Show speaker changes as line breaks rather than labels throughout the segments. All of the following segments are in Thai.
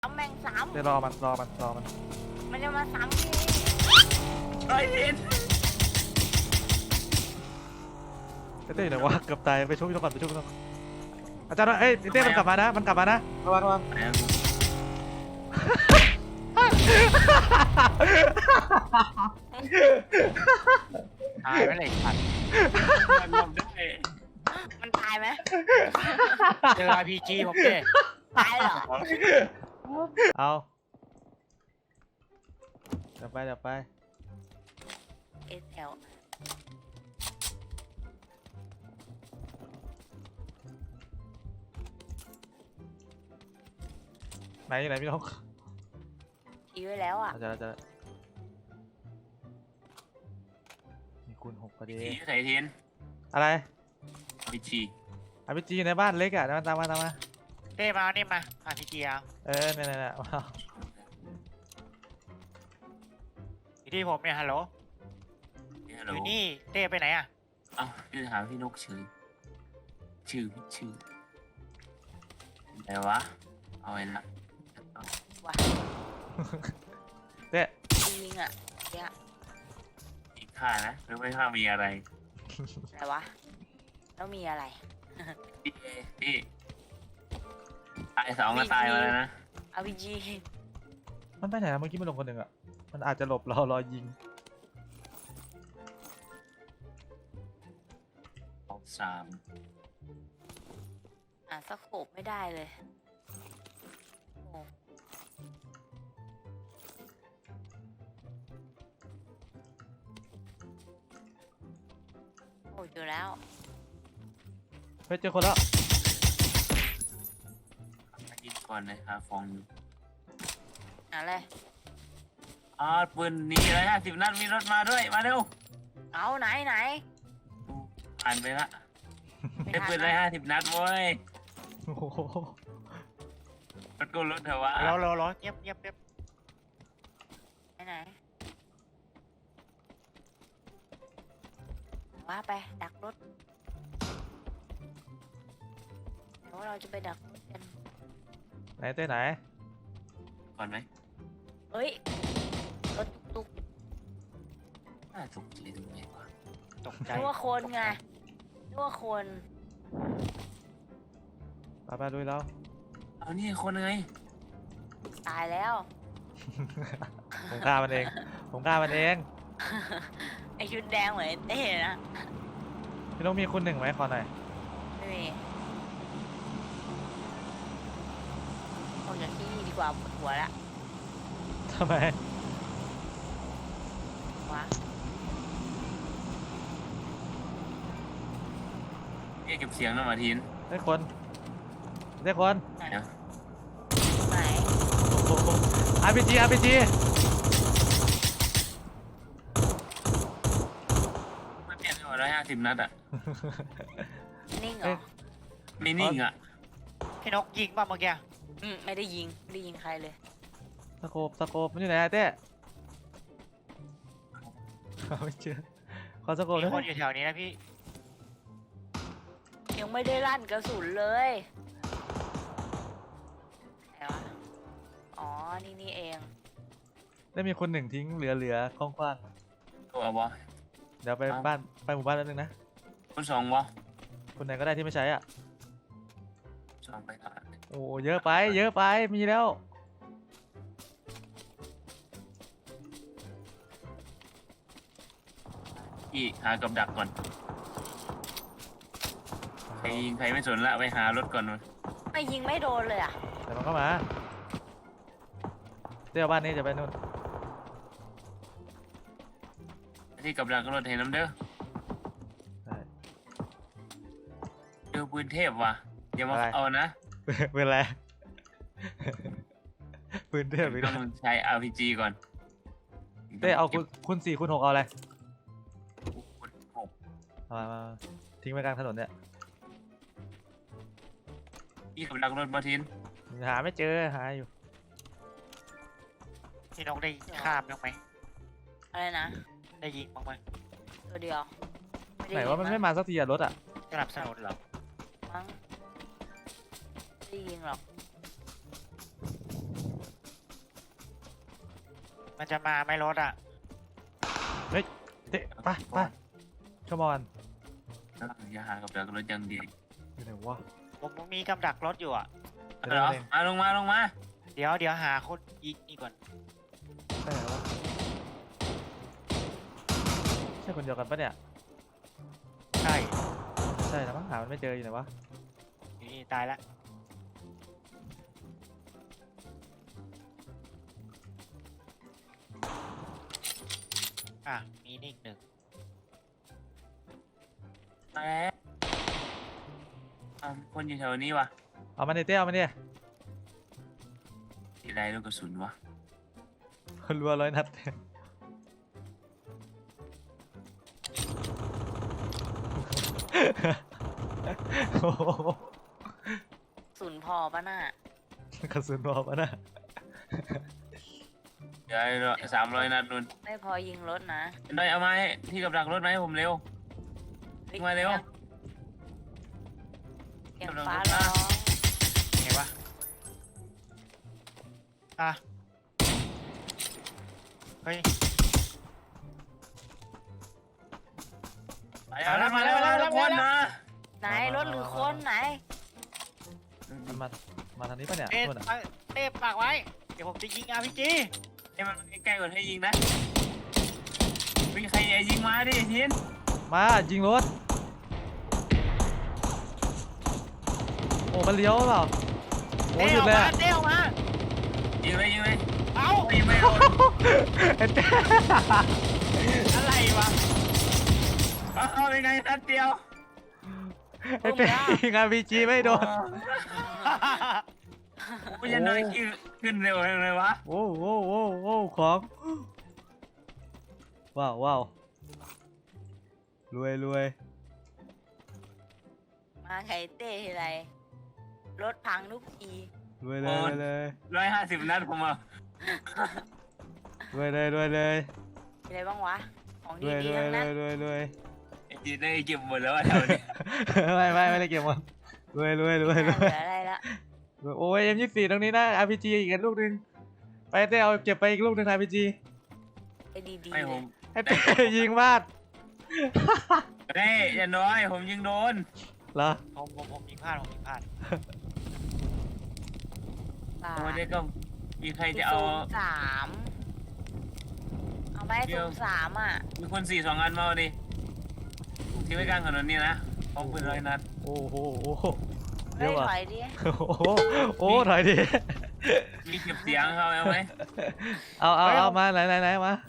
ซ้ำแม่งซ้
เดี๋ยวรอมัน
ำมันจะมาซ้ำที่
ไอ้เห็น
เต้อยู่ไหนวะเกือบตายไปช่วยพี่ต้องก่อนอาจารย์เอ้ยเต้มันกลับมานะระวัง
ตายไปเลยขัดมันลงได้
มันตายไหม
เจอ RPG ผมเด้
ตายเหรอ
เอาเดี๋ยวไป
เอสเอล
ไหนอยู่ไหนพี่น้อง
ชี้ไว้แล้วอ่ะ
อาจารย์มีคูณ6พอดี
ทีใส่เทียน
อะไร
RPG
อาพีจีอยู่ในบ้านเล็กอ่ะตามมา
เต้มานี่มา RPG เอา
เนี่ยว้าว
อยู่ที่ผมเนี่ยฮัลโหลอยู่นี่เต้ไปไหนอ่ะ
อ้าวพี่ถามพี่นกชื่ออะไรวะเอาไว้ละ
ว่ะ
เต้
ยิงอ่ะเนี่ย
อีกค่านะหรือไม่ค่ามีอะไร
อะไรวะแล้วมีอะไร
พี่ตาย2ก็ตายมาแล้วนะ
RPG
มันไปไหนนะเมื่อกี้มันลงคนหนึ่งอ่ะมันอาจจะหลบเรารอยิง
3
สโคปไม่ได้เลยโอ้โหอยู่แล้ว
เฮ้ยเจอคนแล้ว
ยิงก่อนเลยครับฟอง
อะไร
ปืนนี้เลย50 นัดมีรถมาด้วยมาเร็ว
เอาไหน
ผ่านไปละ
ไม่
ได้
ทัน
ปืนเลย50 นัดเว้ย
โอ้โห
รถกูรถเถอะวะ
รอเงียบ
ไหนว่าไปดักรถเดี๋ยวเราจะไปดักรถกัน
ไหนเต้ไหน
ก่อนไหม
เฮ้ยรถตุก
น่าถูกใจตรงไหนวะ
ตก
ๆ
ใจ
นึกว่าคนไงนึกว่าคน
ไปดูแล้ว
เอานี่คนไง
ตายแล้ว
ผมฆ่ามันเอง
ไอชุดแดงเหมือนไอ้เต้นะ
พี่น้องมีคูณ1ไหมขอหน่อย
ไม่มีออกจากที่นี่ดีกว่าปวดหัวละ
ทำไม
วะ
พี่เก็บเสียงนะมาทีน
ได้คน
เดี๋ยว
ไหน
RPG
ไม่เปลี่ยนไปหมด150 นัดอ่ะ
นิ่งเหรอ
ไม่นิ่งอ่ะ
พี่นกยิงป่ะเมื่อกี้
ไม่ได้ยิงใครเลย
สโคปมันอยู่ไหนอะเต้ไม่เจอขอสโคป
มี
ด้วย
คนอยู่แถวนี้นะพี่
ยังไม่ได้ลั่นกระสุนเลยไหนวะอ๋อนี่เอง
ได้มีคน1ทิ้งเหลือกว้าง
ตัววะ
ๆเดี๋ยวไปบ้านไปหมู่บ้านแล้วนึงนะ
คน2วะ
คนไหนก็ได้ที่ไม่ใช้อ่ะ
2ไปก่อน
โอ้เยอะไปมีแล้ว
พี่หากับดักก่อนใครยิงใครไม่สนละไปหารถก่อนมัน
ไม่ยิงไม่โดนเลยอ่ะ
เดี๋ยวมันก็มาเดี๋ยวบ้านนี้จะไปนู่น
ที่กับดักรถเห็นน้ำเด้อ
ได้
เจอปืนเทพว่ะอย่ามาเอานะ
เป็นไรปืนเทพอีก
ต้
แล้
อ
ว
งใช้ RPG ก่อน
เต้เอาคูณ4คูณ6เอาอะไร
คูณ6
มาทิ้งไว้กลางถนนเนี่ย
พี่กับดักรถมาทิน
หาไม่เจอหาอยู่
พี่นกได้ข้ามบ้างไหม
อะไรนะ
ได้ยิงบ้างไหม
ตัวเดียวด้
ไหนว่ามันไม่มาสักทีอะรถอะ
สนับสนุนเหรอ
มั้งไม่ได้ยิงหรอก
มันจะมาไม่รถอ่ะ
เตะไปไปขมอน
อย่าหากับดักรถยังดี
อยู่ไหนวะ
ผมมีกำดักรถอยู่อ่ะ
เหรอมาลงมาลงมา
เดี๋ยวหาคนยิงนี่ก่อน
ไปไหนวะใช่คนเดียวกันปะเนี่ย
ใช่
ใช่แล้วมั้งหามันไม่เจออยู่ไหนวะ
นี่ตายละอ่ะมีนี่อีกหนึ่ง
แต่คนอยู่แถวนี้วะ
เอามันดิเต้เอามันดิ
ทีไรลูกกระสุนวะ
รัว100 นัดโอ้โห
ศูนย์พอปะน่ะ
กระสุนรอปะนะ
เดี๋ยว300 นัดนุ่น
ไม่พอยิงรถนะ
ได้เอามาให้ที่กับดักรถไหมาให้ผมเร็ว ยิงมาเร็ว
เสียงฟ้าร้อง
ไงวะอ่ะเฮ้ย
ไปแล้วมาแล้วทุกคนนะ
ไหนรถหรือคนไหน
มันมาทางนี้ปะเนี่ย
เต้
นู่นอะ
เต้ปากไว้ เดี๋ยวผมจะยิง RPG
ให้มันใกล้ๆก่อนให้ยิงนะมีใครยิงมาดิทิน
มายิงรถโอ้มันเลี้ยวเปล่าโอ้
เต้
หยุ
อ
ด
อก
เลย
มา
อะ
เต้ออกมา
ยิงเลยยิงเลย
เอ้า
ยิงไม่โดน
ไอ้เต้
อะไรวะ
เอาเป็นไงนัดเดียว
ไอ้เต้ยิง RPG ไม่โดน
กูจะน้อยขึ้นเร็วเลยวะ
โอ้โหโอ้โหของว้าวว้าวรวยรวย
มาไข่เต้ทีไรรถพังทุกที
รวยเลยรวยเลย
150 นัดผมอ่ะ
รวยเลยรวยเลย
มีอะไรบ้างวะ ของ
รวย
ดี
รวย
ๆทั้ง
รว
นั้น
ยรวยรวย
จีได้เก็บหมดแล้วแถวนี้
ไม่ได้เก็บหมดรวยรวยรวยร
ไม่
วย
เหลืออะไรละ
โอ้ย M24 ตรงนี้นะ RPG อีกลูกหนึงไปเต้เอาเก็บไปอีกลูกหนึง RPG
ไอ้ดีๆ
ไม่
เล
ผ
ย
ม
ไอ้เต้ยิงมาก
เฮ้ยอย่าน้อยผมยิงโดน
เหรอ
ผมยิงพลาดผมยิงพลาด
ป่า
วันนี้ก็มีใครจะเอา
03เอาไหม
เดี๋ยว
03อ่ะ
มีคน4 2 อันมาเอาดิทิ้งไว้กลางถนนนี่นะพร้อมปืน100 นัด
โอ้โหโอ้โหเย
เฮ้ย
อะว่ะ
ถอยดิ
โอ้โหโอ้ถอยดิ
มีเก็บเสียงเขาเอาไหม
เอามาไหนมาไหน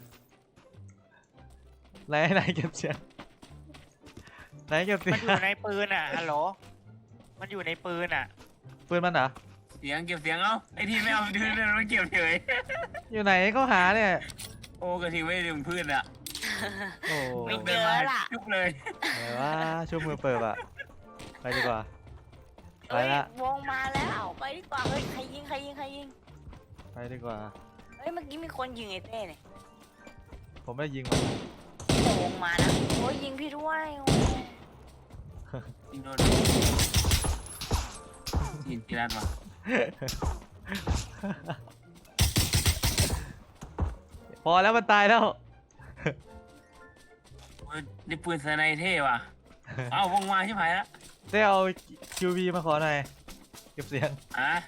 เก็บเสียงไหนเก็บเสีย
มัน
ง
อยู่ในปืนอ่ะ ฮัลโหล มันอยู่ในปืนอ่ะ
ปืนมันเหรอ
เสียงเก็บเสียงเอาไอ้ที่ไม่เอาดื้อเลยมันเก็บเฉย
อยู่ไหนก็หาเนี่ย
โอ้กระทิงไม่ถึงพื้นอ่ะ
โอ้
ไม่
เดินมาจุ๊บเลย
ไหนว่าช่วมือเปิดอะไปดีกว่า ไป
เฮ้ย
ละ
วงมาแล้วไปดีกว่าเฮ้ยใครยิง
ไปดีกว่า
เฮ้ยเมื่อกี้มีคนยิงไอ้เต้เนี่ย
ผมไม่ได้ยิงมัน
แต่วงมานะโอ้ยยิงพี่ด้วยโอ้ย
ยิงโดนยิงที่ร้านมา
พอแล้วมันตายแล้ว
นี่ปืนสไนเท่ว่ะเอาวงมาชิบหายละ
ได้เอา QV มาขอหน่อย เก็บเสียง
อ่ะ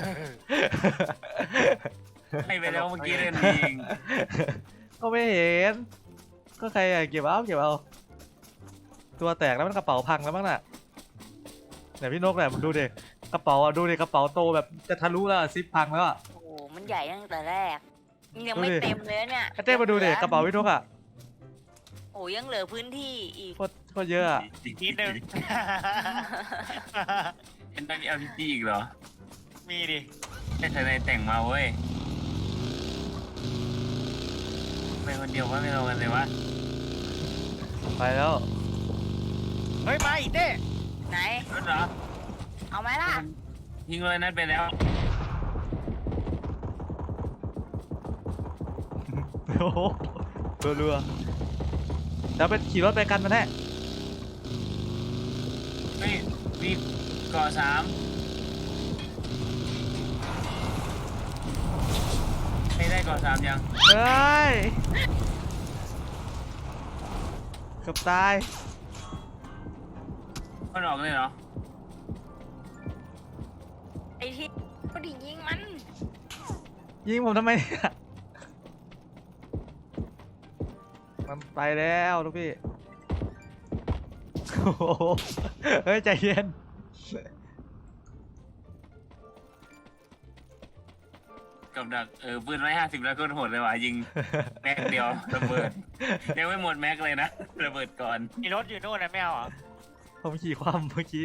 ให้ไปแล้วเมื่อกี้เล่นยิง
ก็ไม่เห็น ก็ใครอะเก็บเอา ตัวแตกแล้วมันกระเป๋าพังแล้วมั้งน่ะไหนพี่นกเนี่ยดูดิกระเป๋าอะดูดิกระเป๋าโตแบบจะทะลุแล้วอะซิปพังแล้วอะ
โอ้โหมันใหญ่ตั้งแต่แรกยังไม่
ดูดิ
เต็มเลยเนี่ย
ไอ้เต้มาดูดิกระเป๋าพี่นกอะ
โอ้ยังเหลือพื้นที่อีก
โคตรเยอะอะ
นิดนึง
เห็นได้มี RPG อีกเหรอ
มีดิ
ให้สไนแต่งมาเว้ยไปคนเดียวว่าไม่เอากันเลยวะ
ไปแล้ว
เฮ้ย มาอีกเต้
ไหน
รถเหรอ
เอาไหมล่ะ
ยิงเลยนัดไปแล้ว
โอ้โหรัวๆแล้วไปขี่รถไปกันมันแน่
เฮ้ยมีก่อ3ไม่ได้ก่อน3ยัง
เฮ้ยเกือบตาย
มันออกเลยเหรอ
ไอ้ที่ก็ดิยิงมัน
ยิงผมทำไมเนี่ยมันไปแล้วลูกพี่โอ้โหเฮ้ยใจเย็น
กับดักปืน150แล้วก็โหดเลยว่ะยิงแม็กเดียวระเบิดยังไม่หมดแม็กเลยนะระเบิดก่อน
มีรถอยู่นู่นนะไม่เอาเหรอ
ผมขี่ความเมื่อกี้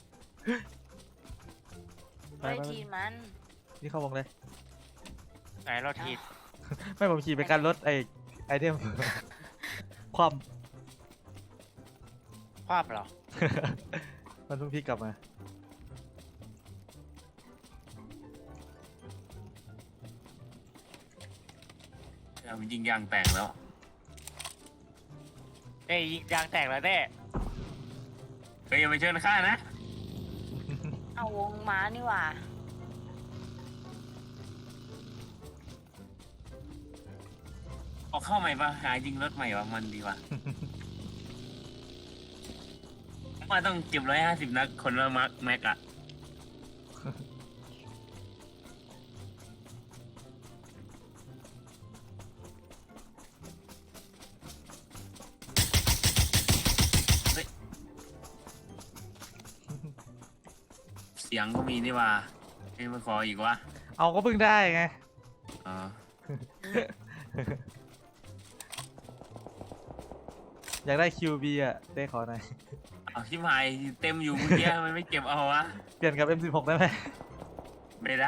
ไอ้ทีมัน
นี่เข้าวงเลย
ไหนรถทีบ
ไม่ผมขี่ไปกันรถไอเทม ความ
คว่ำเหรอ
มันเพิ่งพลิกกลับมา
มันยิงยางแตกแล้ว
เอ้ยยิงยางแตกแล้วเด้
เฮ้ยอย่าไปเชิญข้านะ
เอาวงม้านี่หว่า
เอาเข้าใหม่ปะหายิงรถใหม่ปะมันดีว่ะ ว่าต้องเก็บ150นัดคนละแม็กอะเฮ้ยเสียงก็มีนี่ว่าเอ้ยมาขออีกวะ
เอาก็เพิ่งได้ไง
อ๋อ
อยากได้ QB อ่ะได้ขอหน่อย
เอาชิบหายเต็มอยู่เมื่อกี้มันไม่เก็บเอาวะ
เปลี่ยนกับ M16 ได้ไหม
ไม่ได้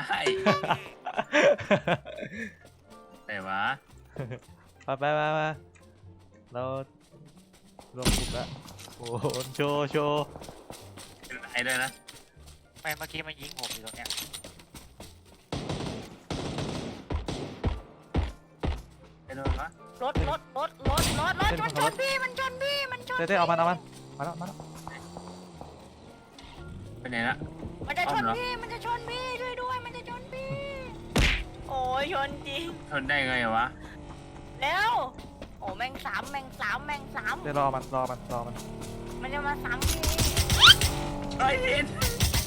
แต่ว่า
ไปเรารวมกลุ่มแล้วโอ้โหโชว์
เป็นไรด้วยนะ
ไม่เมื่อกี้มันยิงผมอยู่ตรงเนี้ย
ไปโดนวะ
รถชนพี่มันชนพี่มันชน
เต้เอามันมาแล้ว
ไปไหนละ
มันจะชน
เอาเหรอ
พี่มันจะชนพี่ช่วยด้วยมันจะชนพี่ โอ้ยชนจริง
ทนได้ไงวะ
เร็วโอ้แมงสาม
เต้รอมัน
มันจะมาซ้ำพี่
ไอ้เห็น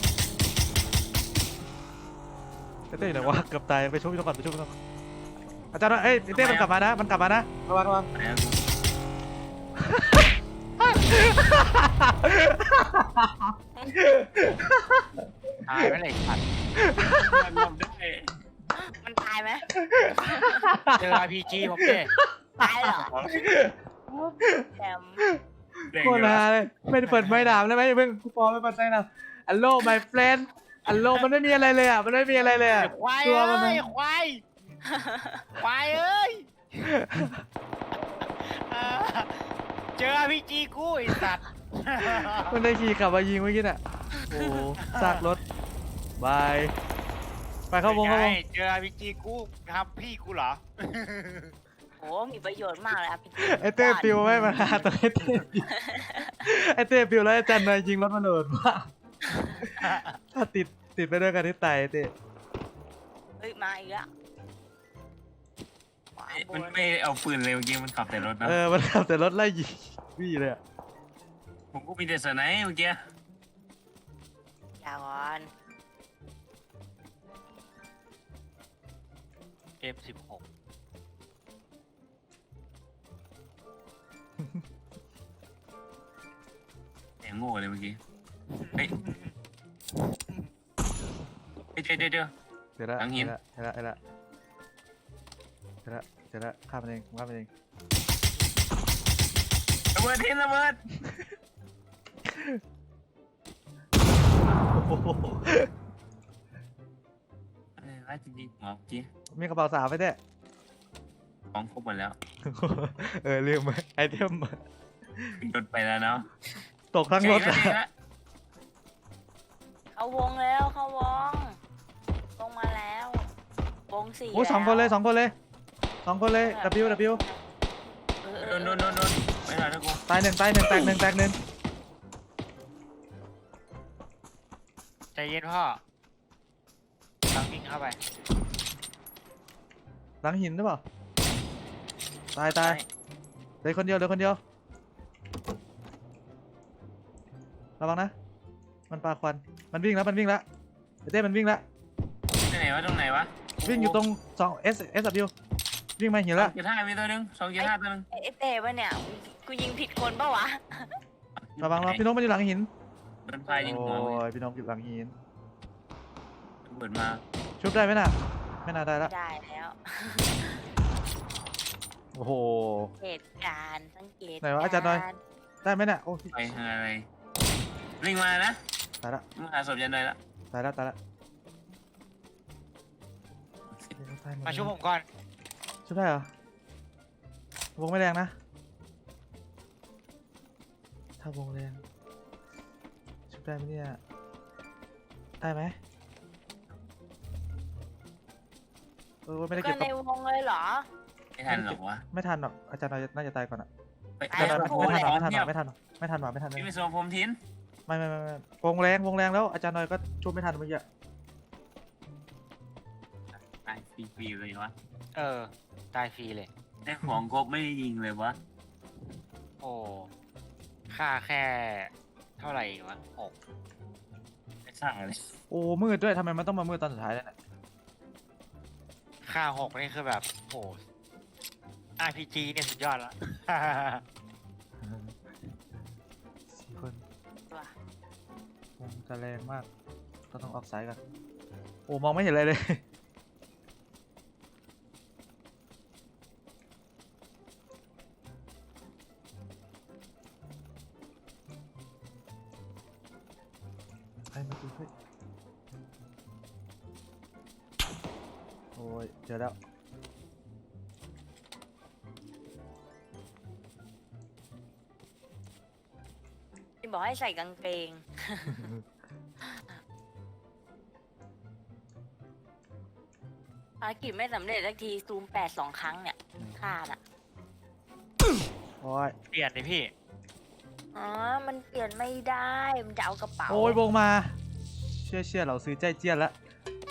เต้อยู่ไหนวะเกือบตายไปช่วยพี่ต้องก่อนอาจารย์เอ้ยเต้มันกลับมานะระวัง
ไหนอะ
ตายไม่เลยขัด
มันหลบได้
มันตายไหม
เจอ RPG ผมเด้
ตายเหรอแถม
เด็ก
โคตร
เหรอ
ฮาเลยไม่ได้เปิดไม้ดามเลยไหมเพิ่งกูปอไม่เปิดไม้ดามอัลโล my friend อัลโลมันไม่มีอะไรเลยอ่ะมันไม่มีอะไรเลยอ่ะ
ควาย
ตัว
เอ้
มัน
ยควายควายเอ้ยเออเจอ RPG กูไอ้สัตว์
มันได้ขี่กลับมายิงเมื่อกี้น่ะโอ้ซากรถบายไปเข้าวง
ป็นไเจอ RPG กูทำพี่กูเหรอ
โอ้มีประโยชน์มากเลยอ่ะพี่
ไอเต้ปิวไม่มาหาตัวไอเต้ปิวไอเต้ปิวแล้วไอจันนายยิงรถมันโหดมากถ้าติดไปด้วยกันที่ตายไอ้เต้
เฮ้ยมาอีกแล้วขวาบ
มัน
น
ไม่เอาปืนเลยเมื่อกี้มันขับแต่รถนะ
มันขับแต่รถไล่ยิงวี่เลยอ่ะ
ผมก็มีแต่สไนป์เมื่อกี้
อย่าก่อน
M16
แหงโง่เลยเมื่อกี้เฮ้ยเดี๋ยว
เดี๋ยวละ
หลังหิน
เดี๋ยวละข้ามมันเองข้ามมันเอง
ระเบิดทิ้งระเบิด
โอ้โห
ร้ายจริงๆหมอเมื่อกี้
มีกระเป๋าสาวไปเต้
ของครบหมดแล้ว
ลืมไอเทม
รถไปแล้วเนาะ
ตกทั้งรถ
เจ๋งนะ
เข้าวงแล้วเข้าวงลงมาแล้ววงสี่
โอ้สองคนเลยW
โดนไม่ทันนะกู
ตายหนึ่งแตกหนึ่ง
ใจเย็นพ่อตั้งวิ่งเข้าไป
หลังหินหรือเปล่าตายเหลือคนเดียวระวังนะมันปาควันมันวิ่งแล้วไอ้เต้มันวิ่งแล้ว
ที่ไหนวะตรงไหนวะ
วิ่งอยู่ตรง2 SW วิ่งมาหิน
สอ
ละ
งจุดห้ามีตัวหนึง2.5ตัวหนึง
ไอ้เต้ปะเนี่ยกูยิงผิดคนปะวะ
ระวังพี่นกมันอยู่หลังหิน
โดนพายยิงหัว
โอ้ยพี่นกอยู่หลังหิน
ระเบิดมา
ชุบได้ไหมน่ะไม่น่าได้ละ
ได้แล้ว
โอ้โห
เหตุการณ์สังเกต
ไหนวะอาจารย์หน่อย
ก
ได้ไหมน่ะโอ้ย
ไปอะไรวิ่งมานะ
ตายละ
มาหาศพยันเลยละ
ตายละตายละ
มาช่วยผมก่อน
ชุบได้เหรอวงไม่แรงนะถ้าวงแรงชุบได้ไหมเนี่ยได้ไหมไม่ได้
ก็
เก็บ
ในวงเลยเหรอ
ไม่ทันหรอกวะ
ไม่ทันหรอกอาจารย์น่าจะตายก่อนอะ
ไป
ตายแล้ว
ไม่ทันหรอกไม่ทัน
ที่มีส่วนผมทิ้น
ไม่วงแรงแล้วอาจารย์น้อยก็ช่วยไม่ทันเมื่อกี้
ตายฟรีๆเลยวะ
ตายฟรีเลย
ได้ของครบไม่ได้ยิงเลยวะ
โอ้ค่าแค่เท่าไหร่วะ
ไม่ทราบเลย
โอ้มืดด้วยทำไมมันต้องมามืดตอนสุดท้ายเนี่ย
ค่า6นี่คือแบบโห RPG เนี่ยสุดยอดละ
4 คน
ว่ะ
วงจะแรงมากต้องออกสายกันโอ้มองไม่เห็นอะไรเลยใครมาดูเฮ้ยโอ้ยเจอแล้ว
ที่บอกให้ใส่กางเกง ภารกิจไม่สำเร็จสักทีซูม8 2 ครั้งเนี่ยฆ่าน่ะ
โอ้ย
เปลี่ยนเลยพี่
อ๋อ มันเปลี่ยนไม่ได้ มันจะเอากระเป๋า
โอ้ยวงมาเชื่อเราซื้อใจเจี้ยนแล้ว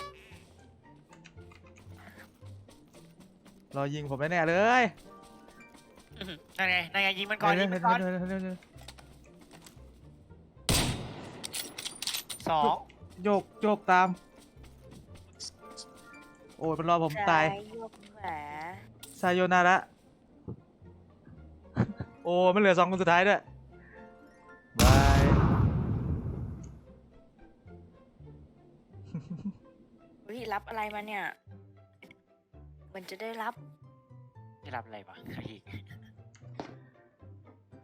รอยิงผมแน่ๆเลย
นั่นไงยิงมันก่อนยิงมันก่อน
เร็ว
2
โยกตาม โอ้ยมันรอผมตาย
ซ้ยกขวา
ซายโยนาระ โอ้มันเหลือ2 คนสุดท้ายด้วยบาย
วิรับอะไรมาเนี่ย มันจะได้รับ
ที่รับอะไรวะพี่